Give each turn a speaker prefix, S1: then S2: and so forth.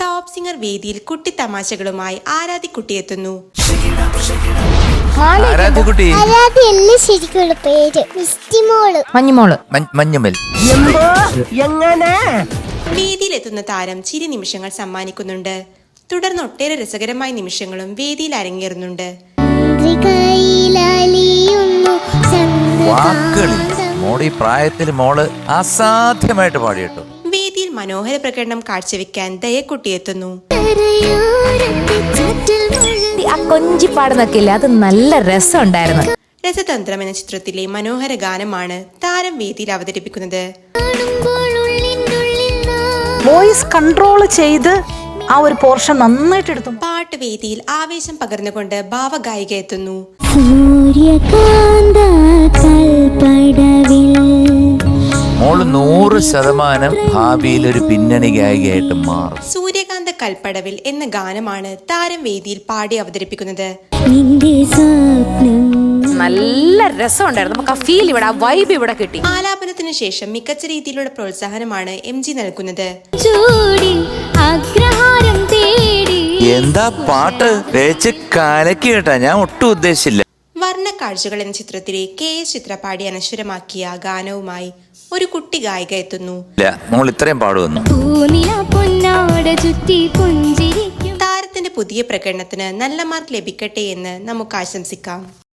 S1: Top singer വേദിയിൽ കുട്ടിത്തമാശകളുമായി ആരാധ്യക്കുട്ടിയെത്തുന്നു. വേദിയിലെത്തുന്ന താരം ചിരി നിമിഷങ്ങൾ സമ്മാനിക്കുന്നുണ്ട്. തുടർന്ന് ഒട്ടേറെ രസകരമായ നിമിഷങ്ങളും വേദിയിൽ അരങ്ങേറുന്നുണ്ട്.
S2: പ്രായത്തിൽ മോള് അസാധ്യമായിട്ട് പാടിയിട്ടു.
S1: വേദിയിൽ മനോഹര പ്രകടനം കാഴ്ചവെക്കാൻ ദയക്കുട്ടി എത്തുന്നു.
S3: കൊഞ്ചിപ്പാടുന്നൊക്കെ ഇല്ല, അത് നല്ല രസമുണ്ടായിരുന്നു.
S1: രസതന്ത്രം എന്ന ചിത്രത്തിലെ മനോഹര ഗാനമാണ് താരം വേദിയിൽ അവതരിപ്പിക്കുന്നത്.
S4: വോയിസ് കൺട്രോൾ ചെയ്ത് ആ ഒരു പോർഷൻ നന്നായിട്ട് എടുത്തു.
S1: പാട്ട് വേദിയിൽ ആവേശം പകർന്നുകൊണ്ട് ഭാവഗായിക എത്തുന്നു.
S2: മോള് 100% ഭാവിയിൽ ഒരു പിന്നണി ഗായികയായിട്ട് മാറും.
S1: സൂര്യകാന്ത കൽപ്പടവിൽ എന്ന ഗാനമാണ് താരം വേദിയിൽ പാടി അവതരിപ്പിക്കുന്നത്.
S3: നല്ല രസമുണ്ടായിരുന്നു. നമുക്ക് ആ ഫീൽ ഇവിടെ, ആ വൈബ് ഇവിടെ കിട്ടി.
S1: ആലാപനത്തിന് ശേഷം മികച്ച രീതിയിലുള്ള പ്രോത്സാഹനമാണ് MG നൽകുന്നത്.
S2: എന്താ പാട്ട് വെച്ച് കലക്കി കേട്ടാ, ഞാൻ ഒട്ടും ഉദ്ദേശിച്ചില്ല.
S1: വർണ്ണക്കാഴ്ചകൾ എന്ന ചിത്രത്തിലെ KS ചിത്ര പാടി അനശ്വരമാക്കിയ ഗാനവുമായി ഒരു കുട്ടി ഗായിക എത്തുന്നു.
S2: മോൾ ഇത്രയും പാടുവന്നു.
S1: താരത്തിന്റെ പുതിയ പ്രകടനത്തിന് നല്ല മാർക്ക് ലഭിക്കട്ടെ എന്ന് നമുക്ക് ആശംസിക്കാം.